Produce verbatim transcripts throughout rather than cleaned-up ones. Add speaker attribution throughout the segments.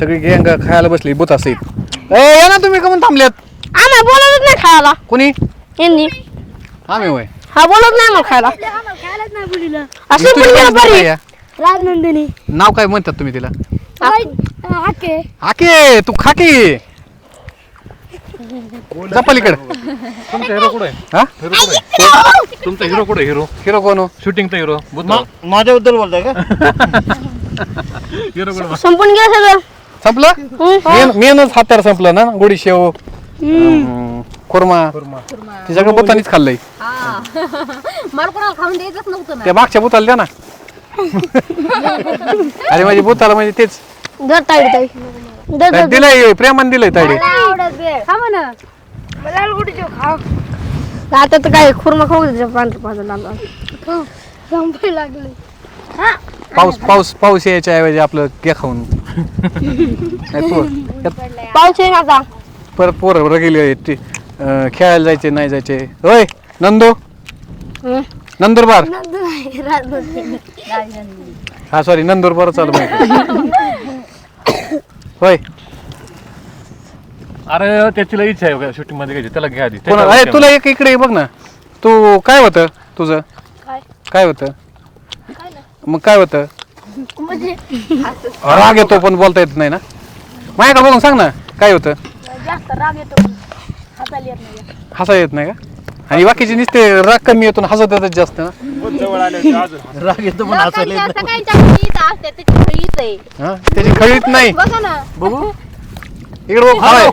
Speaker 1: सगळी गँग खायला बसली बुत असेल. ए या ना तुम्ही कमून थांबल्यात?
Speaker 2: आम्हाला बोलवत नाही खायला.
Speaker 1: कोणी?
Speaker 2: यांनी.
Speaker 1: आम्ही होय.
Speaker 2: हा बोलत नाही मग खायला.
Speaker 3: खायलाच नाही बुलीला.
Speaker 2: असं पण बरी.
Speaker 3: राजनंदिनी.
Speaker 1: नाव काय म्हणतात तुम्ही तिला?
Speaker 3: हाके.
Speaker 1: हाके तू खाकी. पलीकडे
Speaker 4: तुमचा हिरो कुठे आहे?
Speaker 1: हा
Speaker 4: हिरो कुठे? तुमचा हिरो कुठे? हिरो
Speaker 1: हिरो कोण हो?
Speaker 4: शूटिंगचा हिरो
Speaker 5: माझ्याबद्दल बोलताय का?
Speaker 4: हिरो कुठे?
Speaker 2: संपून गेलं सगळं.
Speaker 1: संपलं? मेन मेनच हात्यार संपलं ना. गोडी शेव खुर्मा ते सगळं बुतानीच खाल्लंय.
Speaker 3: मला कोणाला खाऊन द्यायचंच नव्हतं ना.
Speaker 1: त्या मागच्या बुताला द्या ना. अरे माझी बुताला म्हणजे तेच
Speaker 2: दर ताईड ताई. दर दर.
Speaker 1: दिलंय प्रेमान दिलंय तायडे.
Speaker 3: खा म्हणा. मला गुडी जेव खाव.
Speaker 2: आता तर काय खुर्मा खाऊ दे पांढर पांढर लाल लाल.
Speaker 3: संपायला लागले.
Speaker 1: पाऊस पाऊस पाऊस यायच्या ऐवजी आपलं घ्या खाऊन. नाही पोर त्यात
Speaker 2: पाऊस येईन आता.
Speaker 1: परत पोरं गेले ते, अं, खेळायला जायचे नाही जायचे. होय नंदू नंदुरबार. हा सॉरी नंदुरबार चालू माहिती. होय
Speaker 4: अरे त्याची इच्छा आहे शूटिंग मध्ये घ्यायची, त्याला घ्या आधी.
Speaker 1: कोणा अरे तुला एक इकडे बघ ना. तू काय होतं तुझं? काय होतं मग? काय होतं? राग येतो पण बोलता येत नाही ना. माझ्याकडे बघून सांग ना काय होतं?
Speaker 3: जास्त राग येतो. हाताला येत नाही.
Speaker 1: हसा येत नाही का? आणि बाकीचे नुसते राग कमी येतो हसत येतात जास्त ना.
Speaker 5: राग येतो पण हसायला येत नाही.
Speaker 1: हा त्याची खळीत नाही.
Speaker 3: बघा ना.
Speaker 1: बघू इकडे बघ. हाय.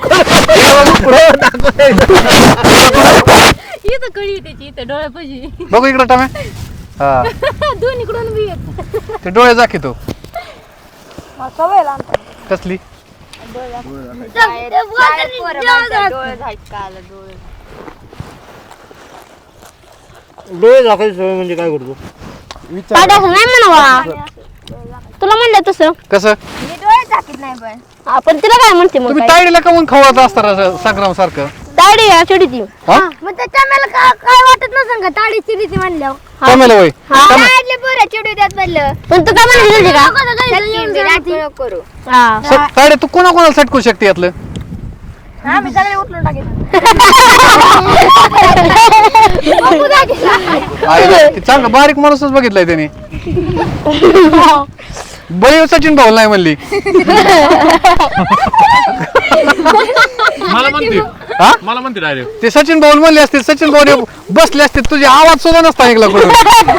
Speaker 3: इथं कळी त्याची इथं डोळ्यापाशी.
Speaker 1: बघू इकडे टाम्या. हा
Speaker 3: दोन्हीकडून बी येत.
Speaker 1: ते डोळे दाखवतो.
Speaker 3: सवय लहानपणी.
Speaker 1: कसली?
Speaker 5: डोळे झाकायची सवय म्हणजे काय करतो?
Speaker 2: पाड्याचं नाही म्हणावा. तुला म्हणलं तसं.
Speaker 1: कसं?
Speaker 3: मी डोळे टाकीत नाही पण.
Speaker 2: आपण तिला काय म्हणते मग?
Speaker 1: तुम्ही तायडीला कमून खवळत असता संग्राम सारखं.
Speaker 2: ताडी या चिडीती.
Speaker 1: हा
Speaker 3: मग त्याच्या मला काय वाटत नसेल का ताडी चिडीची म्हणल्यावर.
Speaker 1: कमेल होय.
Speaker 3: ताडले बरं चिडू द्यात म्हणलं.
Speaker 2: पण तू काय म्हणली का?
Speaker 3: करू.
Speaker 2: हा.
Speaker 1: तायडे तू कोणा कोणाला सटकू शकते यातलं?
Speaker 3: हा मी सगळे उचलून टाकेन.
Speaker 1: आहे, ते चांगलं बारीक माणूसच बघितलाय त्याने. बळी सचिन भाऊ नाही म्हणली.
Speaker 4: मला म्हणते
Speaker 1: हा
Speaker 4: मला म्हणते डायरेक्ट.
Speaker 1: ते सचिन भाऊ म्हणले असते. सचिन भाऊ बसले असते तुझे आवाज सुद्धा नसता ऐकला कुठं.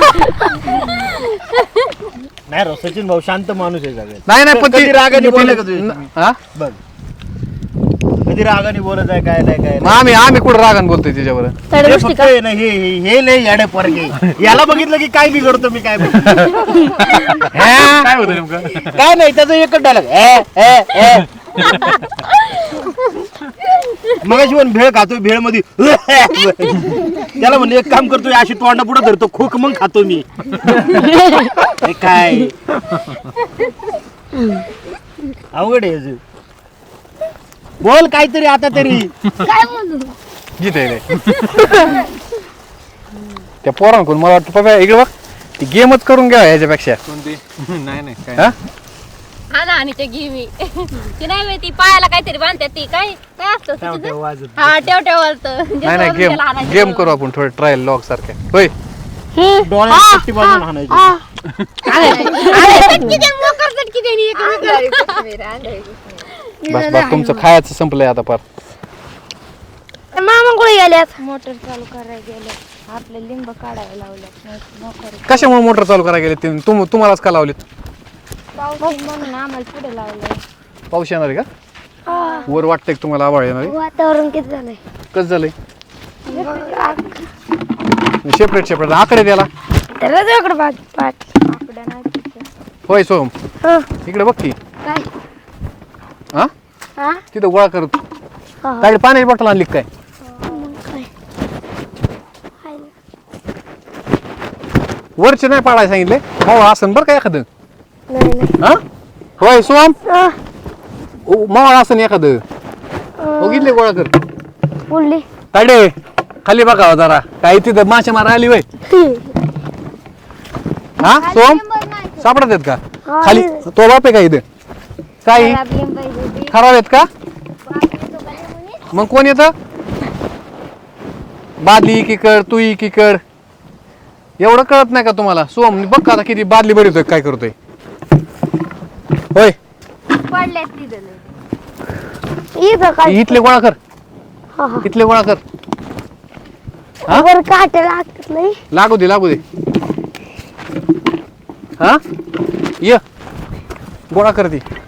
Speaker 5: नाही रो सचिन भाऊ शांत माणूस आहे सगळ्यात.
Speaker 1: नाही नाही पण
Speaker 5: कधी
Speaker 1: ती-
Speaker 5: रागाने बोलले का
Speaker 1: ती-
Speaker 5: तुझ्याशी?
Speaker 1: न- हा?
Speaker 5: बघ कधी रागाने बोलत आहे काय नाही काय
Speaker 1: मग आम्ही आम्ही कुठं रागान बोलतोय तिच्यावर.
Speaker 2: ताडी
Speaker 5: हे
Speaker 2: गोष्टी
Speaker 5: फक्त
Speaker 2: का?
Speaker 5: हे नाही, हे हे- हे लय याडे पोरगे. याला बघितलं की काय बिघडतो मी काय बघ.
Speaker 4: काय होतं नेमकं?
Speaker 5: काय नाही त्याचं एकच डायलॉग मगाशी पण भेळ खातोय भेळ मध्ये त्याला म्हणलं एक काम करतोय अशी तोंडा पुढे धरतो खोक मग खातो मी. हे काय अवघड आहे याचं. बोल काहीतरी आता तरी.
Speaker 3: काय बोलू.
Speaker 1: जिथे त्या पोरांकडून मला वाटतं पप्पा इकडे बघ ती गेमच करून घ्या ह्याच्यापेक्षा.
Speaker 4: कोणती? नाही नाही काय
Speaker 1: हा
Speaker 3: हा ना आणि ते घे मी. ती नाही माहिती पायाला काहीतरी बांधतात ती काय काय असतं तिचं? हा ठेव ठेव वाजतं.
Speaker 1: नाही नाही गेम गेम करू आपण थोडे ट्रायल लॉग सारखे. होय
Speaker 5: डोळ्यात पट्टी बांधून हाणायची.
Speaker 1: बस बस तुमचं खायचं संपलंय आता पार.
Speaker 2: मामा कुठे गेल्यात?
Speaker 3: मोटर चालू करायला गेले. आपले लिंब काढायला लावले.
Speaker 1: कशामुळे मोटर चालू करायला गेले ते तुम तुम्हालाच का लावलेत?
Speaker 3: पाऊस म्हणून आम्हाला पुढे लावलं.
Speaker 1: पाऊस येणार आहे का? वर वाटतंय का तुम्हाला आवाळ येणार आहे?
Speaker 2: वातावरण किती झालंय?
Speaker 1: कसं झालंय? सेपरेट सेपरेट आकडे द्याला.
Speaker 2: त्याला इकडे पाठ पाठ.
Speaker 3: आकडा नाही तिथं.
Speaker 1: होय सोम
Speaker 2: हा.
Speaker 1: इकडे बघ की.
Speaker 2: काय?
Speaker 1: हा
Speaker 2: हा?
Speaker 1: तिथं गोळा करत
Speaker 2: हा.
Speaker 1: काय पाण्याची बॉटल आणली काय?
Speaker 2: मग काय?
Speaker 1: वरचे नाही पाडायला सांगितले. हो असं बरं का एखादं.
Speaker 2: नाही नाही.
Speaker 1: हा होय सोम
Speaker 2: हा.
Speaker 1: मावळ असं एखादं बघितले गोळा कर.
Speaker 2: बोलली.
Speaker 1: ताडे खाली बघावं जरा काही तिथं मासे मारा आली वय. हा सोम सापडत आहेत का
Speaker 2: हा,
Speaker 1: खाली? तो बाप आहे का इथं? काही खराब आहेत का मग कोण येतं बादली एकीकड तू एकीकड एवढं कळत नाही का तुम्हाला सोम बघ का आता किती बादली भरतोय काय करतोय होय
Speaker 2: इथं काय
Speaker 1: इथले गोळा कर
Speaker 2: हा, हा.
Speaker 1: इथले गोळा कर हा?
Speaker 2: वर काटे लागतात लई.
Speaker 1: लागू दे लागू दे हा ये गोळा कर ती